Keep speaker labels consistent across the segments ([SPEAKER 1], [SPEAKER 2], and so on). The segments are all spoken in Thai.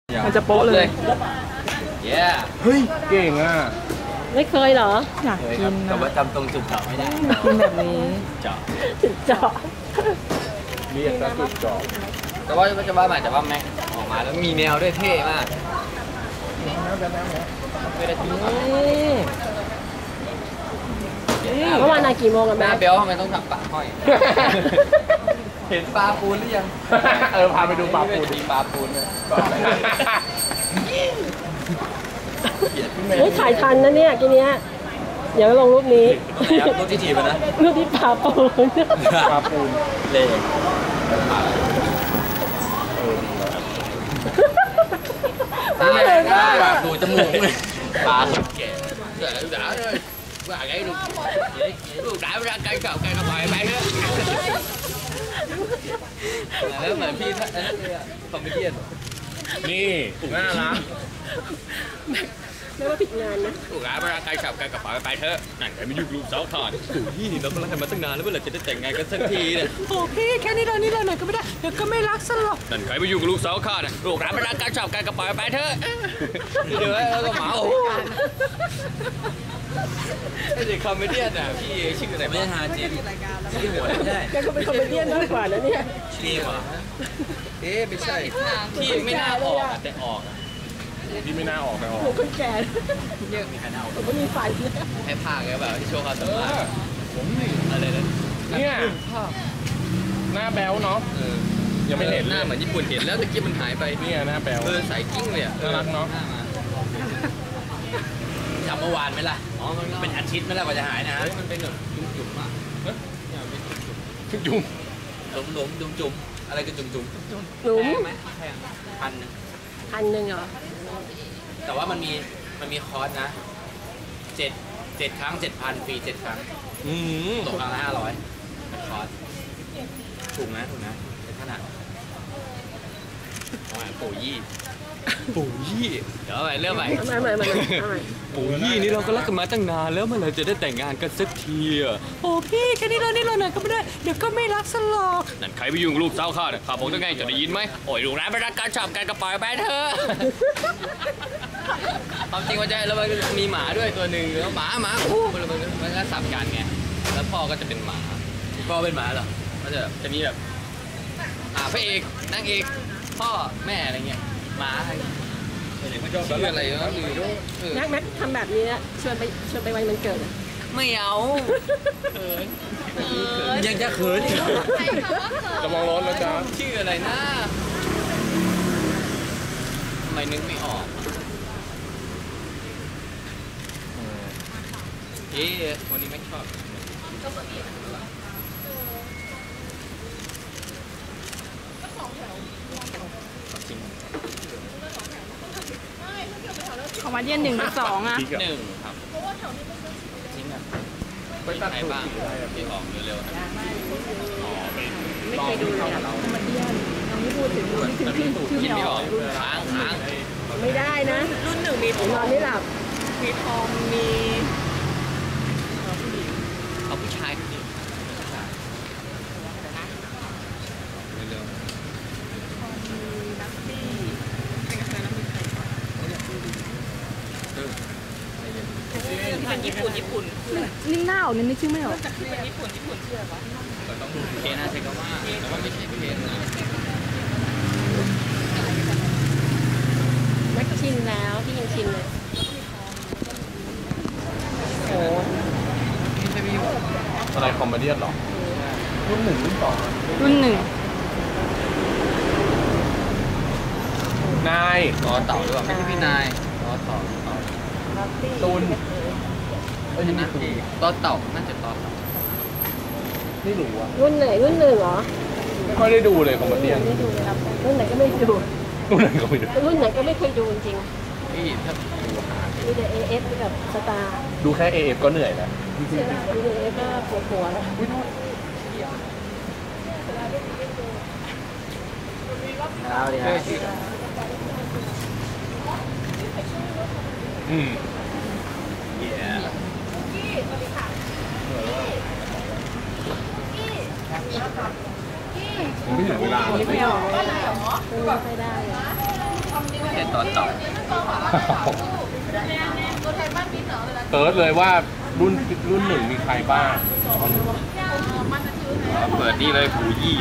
[SPEAKER 1] มันจะโป๊ะเลย
[SPEAKER 2] เฮ้ยเก่งอ่ะ
[SPEAKER 1] ไม่เคยเหรออยากกิน
[SPEAKER 3] แต่ว่าจำตรงจุดเจาะไม่ได้
[SPEAKER 1] กินแบบนี้
[SPEAKER 3] เจาะ
[SPEAKER 1] เจาะ
[SPEAKER 2] เรียกซะจุดเจาะ
[SPEAKER 3] แต่ว่าจะว่าหมายแต่ว่าแม็กออกมาแล้วมีแนวด้วยเท่มากไม่ได้ทิ้ง
[SPEAKER 1] เมื่อวานนายกี่โมงกัน
[SPEAKER 3] แม่
[SPEAKER 1] แม่
[SPEAKER 3] เบลทำไมต้องทำปากห้อยเห็นปลาปูนหรือยัง
[SPEAKER 2] พาไปดูปลาปูน
[SPEAKER 3] ดีปลาปูนเลย
[SPEAKER 1] เฮ้ยถ่ายทันนะเนี่ยทีเนี้ยเดี๋ยวลงรูปนี้
[SPEAKER 3] รูปที่ถีบนะ
[SPEAKER 1] รูปที่ปลาปูน
[SPEAKER 3] เล่ปลาดูจมูกเลยปลาคนแก่ด่าเลยว่าไงลูกด่าเวลาไก่เก่าไก่กระป๋อยไปเถอะแล้วเหมือนพี่คอมเมดี้
[SPEAKER 2] นี่น่ารัก
[SPEAKER 1] ไม่ว่าผิดงานนะ
[SPEAKER 3] ลูกด่าเวลาไก่เก่าไก่กระป๋อยไปเถอะนั่นใครไม่ยุ่งลูกสาวทานถูกที่นี่เราก็รักกันมาตั้งนานแล้วเมื่อไหร่จะได้แต่งงานกันสักทีเนี่ย
[SPEAKER 1] โอ้พี่แค่นี้เราหน่อยก็ไม่ได้เดี๋ยวก็ไม่รักซะหรอก
[SPEAKER 3] นั่นใครไม่ยุ่งกับลูกสาวข้าเนี่ยลูกด่าเวลาไก่เก่าไก่กระป๋อยไปเถอะเดี๋ยวแล้วก็หมาไม่ใช่คอมเมดี้อ่ะพี่ชื่ออะไรไม่ใช่ฮาจิชื่อหัวไม่ใช่
[SPEAKER 1] แกก็เป็นคอมเมดี้มากกว่านะเนี่ย
[SPEAKER 3] ชื่อเหรอไม่ใช่พี่ไม่น่าออกแต่ออก
[SPEAKER 2] พี่ไม่น่าออกแต่ออก
[SPEAKER 1] คนแก่
[SPEAKER 3] เยอะมีใครน่าออก
[SPEAKER 1] ผมไม่มีไฟ
[SPEAKER 3] ให้ภาคแบบที่โชว์ความสามารถอะไรนะ
[SPEAKER 2] เนี่ยหน้าแบ๊วเนาะยังไม่เห็น
[SPEAKER 3] หน้าเหมือนญี่ปุ่นเห็นแล้วตะกี้มันหายไป
[SPEAKER 2] เนี่ยหน้าแบ๊ว
[SPEAKER 3] ใส่กิ้งเลย
[SPEAKER 2] น่ารักเนาะ
[SPEAKER 3] จำเมื่อวานไหมล่ะอ๋อมันเป็นอาทิตย์ไหมล่ะกว่าจะหายนะมันเป็นแบบจุ่มๆอ่ะ
[SPEAKER 2] จุ่ม
[SPEAKER 3] จุ่มอะไรกันจุ่ม
[SPEAKER 1] หนุ่ม
[SPEAKER 3] ไหมแพง
[SPEAKER 1] 1,000เหรอ
[SPEAKER 3] แต่ว่ามันมีคอร์สนะ7 ครั้ง 7,000 ฟรี 7 ครั้งตกครั้งละ500คอร์สถูกนะเป็นขนาดปู่ยี่เดี๋ยวไปเรื่องใหม่ปู่ยี่นี่เราก็รักกันมาตั้งนานแล้วเมื่อไหร่จะได้แต่งงานกันสักทีอ่ะ
[SPEAKER 1] โอ้พี่แค่นี้เราหน่อยก็ไม่ได้เดี๋ยวก็ไม่รักซะหรอก
[SPEAKER 3] นั่นใครไปยุ่งลูกสาวข้าเนี่ยข้าบอกจะไงจะได้ยินไหมโอ้ยลูกร้านไปรักการชอบการกระป๋อยไปเถอะความจริงว่าใจแล้วมันมีหมาด้วยตัวหนึ่งแล้วหมาคู่มันก็สับกันไงแล้วพ่อก็จะเป็นหมาพ่อเป็นหมาเหรอก็จะมีแบบพระเอกนางเอกพ่อแม่อะไรเงี้ยหมาชื่ออะไรนะ
[SPEAKER 1] แม็กทำแบบนี้นะชวนไปวันมันเกิด
[SPEAKER 3] ไม่เอายังจะเขินอีก
[SPEAKER 2] จะมองรถแล้วจ้า
[SPEAKER 3] ชื่ออะไรนะทำไมนึกไม่ออกวันนี้ไม่ชอบ
[SPEAKER 1] ของวันเย็น1 กับ 2อ่ะ
[SPEAKER 3] 1ครับทิ้งอ่ะไปตัดไหนบ้างที่ออกเร็วๆนะ
[SPEAKER 1] ไม่เคยดูเลยเรามาเที่ยวเราไม่พูดถึงชื่อไม่ออก
[SPEAKER 3] ค้าง
[SPEAKER 1] ไม่ได้นะรุ่น1มีนอนไม่หลับมีทองมี
[SPEAKER 3] เอาผู้ชายเร็ว
[SPEAKER 1] มันญี่ปุ่นนิ่งหน้าออกนี่ชื่อไม่ออกจากคือญี่ปุ่นชื่ออะไรวะ
[SPEAKER 3] ต้องดูเคนนะใช่ก็ว่าแต่ว่าไม่ใช่เคนนะ
[SPEAKER 1] ไม่ชินแล้วพี่ยังชินเลยโอ้
[SPEAKER 2] อะไรคอมเมดี้หรอรุ่น1รุ่น2
[SPEAKER 1] รุ่น1
[SPEAKER 2] นาย
[SPEAKER 3] ต่อเต่าหรือเปล่าไม่ใช่พี่นายต่อเต่า
[SPEAKER 2] ตูน
[SPEAKER 3] นะต่อเต่าน่าจะต่อเต่า
[SPEAKER 2] ไม่รู้อ่ะ
[SPEAKER 1] รุ่นไหนรุ่น1เหรอ
[SPEAKER 2] ไม่ค่อยได้ดูเลยคอมเมดี้
[SPEAKER 1] ไม่ดูเลยครับรุ่นไหนก็ไม่ดู
[SPEAKER 2] รุ่นไหนก็ไม่ดู
[SPEAKER 1] รุ่นไหนก็ไม่เคยดูจริง
[SPEAKER 3] พี่ถ้าดู
[SPEAKER 1] มีแต่ AF กับสตาร์
[SPEAKER 2] ดูแค่ AF ก็เหนื่อยแล้ว
[SPEAKER 1] ดู AF ก็ปวดหัวแล้ว
[SPEAKER 3] เอาดิฮะ
[SPEAKER 2] ไม่ถึงเวลา
[SPEAKER 1] ไม่ออกไม่ได้
[SPEAKER 3] ต่อเต่า
[SPEAKER 2] เติร์ดเลยว่ารุ่นหนึ่งมีใครบ้าง
[SPEAKER 3] เปิดนี่เลยหูยี่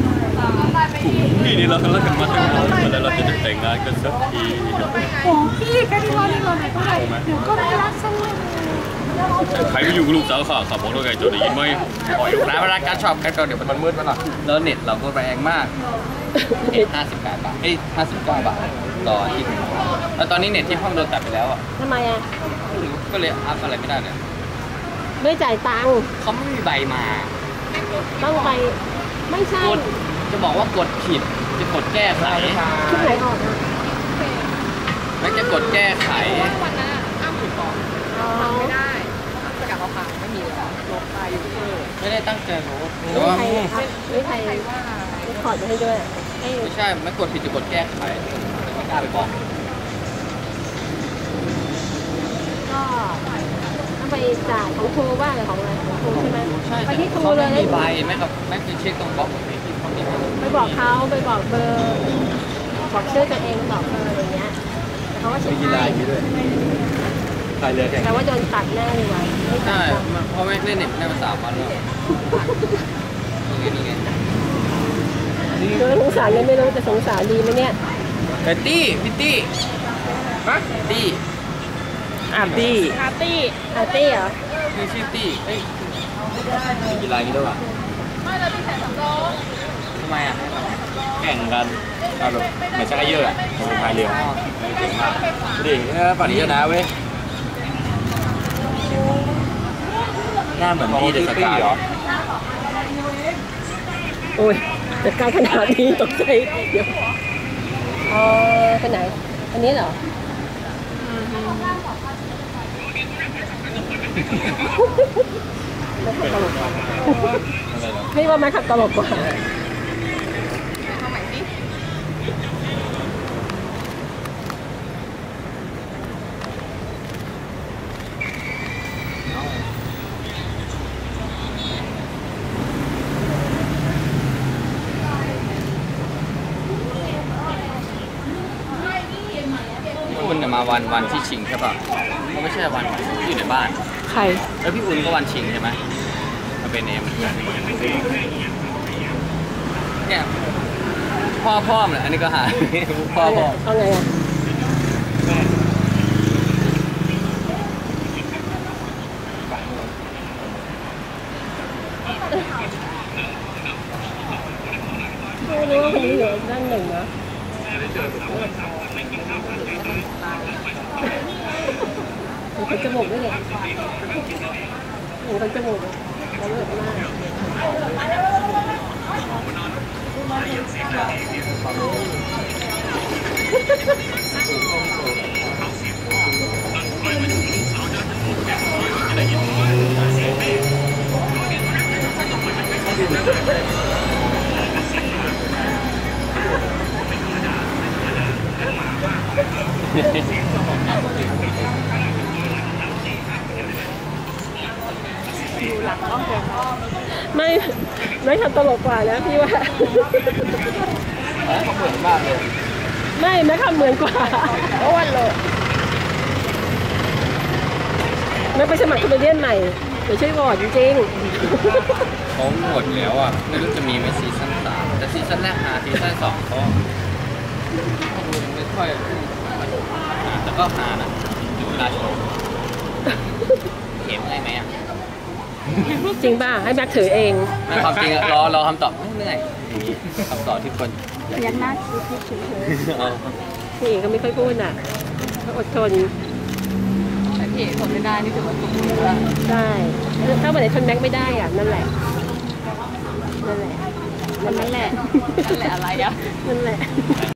[SPEAKER 3] นี่เราเลิกกันมาตั้งนานแล้วเราจะแต่งงานกันสักที
[SPEAKER 1] โอ้พี่แค่ที่ว่านี่เราไหนก็ได้เดี๋ยวก็ไม่รักฉันเลย
[SPEAKER 3] ใครก็อยู่กับลูกสาวข้าขับรถด้วยกันจะได้ยินไหมปล่อยร้านเวลาการชอบกันก็เดี๋ยวมันมืดไปหน่อยแล้วเน็ตเราก็แรงมากเน็ต58 บาท59 บาทต่ออาทิตย์แล้วตอนนี้เน็ตที่ห้องโดนตัดไปแล้วอ่ะ
[SPEAKER 1] ทำไมอ่ะ
[SPEAKER 3] ก็เลยอัพอะไรไม่ได้เลย
[SPEAKER 1] ไม่จ่ายตังค์
[SPEAKER 3] เขาไม่มีใบมา
[SPEAKER 1] ต้องไปไม่ใช่
[SPEAKER 3] กดจะบอกว่ากดผิดจะกดแก้ไข
[SPEAKER 1] ชุดไหนออกอ่ะ
[SPEAKER 3] แล้วจะกดแก้ไข
[SPEAKER 4] วันนั้นอ้ามถูกบอก
[SPEAKER 1] อ๋อ
[SPEAKER 4] ไม่ได้สกัดเราพังไม่มีแล้วลบไปยูทูบเบอร์
[SPEAKER 3] ไม่ได้ตั้งใจโน้ตแต่
[SPEAKER 1] ไม่
[SPEAKER 3] ว่า
[SPEAKER 1] ใครอัพไม่ใคร
[SPEAKER 4] ว่า
[SPEAKER 1] ไม่ขอดมาให้ด้วยให้
[SPEAKER 3] ไม่ใช่ไม่กดผิดจะกดแก้ไขไม่กล้าไปบอก
[SPEAKER 1] ก็ต้องไปจ่ายของครูบ้างหรือของอะไรของครูใช่ไหม
[SPEAKER 3] ใช่
[SPEAKER 1] ไปที่ครู
[SPEAKER 3] เขา
[SPEAKER 1] เล
[SPEAKER 3] ไม่
[SPEAKER 1] ย
[SPEAKER 3] มีใบแม่กับแม่คือเช็คตรงบล็อกไม่ที่เขามีใบ
[SPEAKER 1] ไปบอกเขาไปบอกเบอร์บอกชื่อตัวเองบอกเบอร์อะไรเงี้ยแต่เขาก็เช็คให้
[SPEAKER 2] ใครเรือแข่ง
[SPEAKER 1] แต่ว่าโดนตัดแน่เลยว่ะไม่ตั
[SPEAKER 3] ใช่
[SPEAKER 1] ดหรอก
[SPEAKER 3] เพราะแม่เล่นเน็ตได้มา3 วันแล้วนี่ไง
[SPEAKER 1] คือสงสารยังไม่รู้จะสงสารดีไหมเนี่ย
[SPEAKER 3] แต่ตี้พี่ตี้
[SPEAKER 2] ฮะ
[SPEAKER 3] ตี้
[SPEAKER 2] ตี้
[SPEAKER 1] อาร์ตี้อาร์ตี้เหรอ
[SPEAKER 3] คือชื่อตี้เอ้ย
[SPEAKER 2] มีกีฬาอย่างนี้ด้วยวะ
[SPEAKER 3] ทำไมอ่ะ
[SPEAKER 2] แข่งกันเอาแบบเหมือนชักเยอะอ่ะผมพายเรือเจ๋งมากดูดิปั่นนี้ชนะเว้ยหน้าเหมือนพี่เดอะสกายเหรอ
[SPEAKER 1] โอ้ยจัดการขนาดนี้ตกใจเดี๋ยวอ๋อไปไหนอันนี้เหรอไม่ขับตลกกว่าไม่ว่าไม่ขับตลกกว่า
[SPEAKER 4] เอาใหม่สิ
[SPEAKER 3] พี่อุ่นมาวันที่ชิงใช่ป่ะก็ไม่ใช่วันที่อยู่ในบ้าน
[SPEAKER 1] ใคร
[SPEAKER 3] แล้วพี่อุ่นก็วันชิงใช่ไหมมาเป็นเอ็มเนี่ยพ่อมแหละอันนี้ก็หายพ่อ
[SPEAKER 1] เอาไงอ่ะไม่รู้ว่าคนนี้อยู่ด้านหนึ่งนะเห็นคนจมูกด้วยเนี่ยเห็นคนจมูกเขาเลือดมากไม่ทำตลกกว่านะพี่ว่า
[SPEAKER 3] เขาเหมือนมากเลย
[SPEAKER 1] ไม่ทำเหมือนกว่าเพราะวันโลไม่ไปสมัครคอมเมเดี้ใหม่เดี๋ยวช่วยโหวตจริง
[SPEAKER 3] เขาหมดแล้วอ่ะไม่รู้จะมีไหมซีซั่น3แต่ซีซั่นแรกหาซีซั่น2เขาไม่ค่อยแต่ก็หานะอยู่เวลาโชว์เห็นอะไรไหมอ่ะ
[SPEAKER 1] ๆจริงป่ะให้แบ็คถือเอง
[SPEAKER 3] ไม่ความจริงรอคำตอบเหนื่อยคำตอบที่คน
[SPEAKER 1] ยันหน้าคิดเฉย
[SPEAKER 3] เอา
[SPEAKER 1] ๆพี่เองก็ไม่ค่อยพูดน่ะก็อดทน
[SPEAKER 4] แต่พี่เอกทนไม่ได้นี่ถือว่าถูกแล้ว
[SPEAKER 1] ได้ถ้าวันไหนทนแบ็คไม่ได้อ่ะนั่นแหละนั่นแหละ
[SPEAKER 4] นั่นแหละอะไรอ่ะ
[SPEAKER 1] นั่นแหละ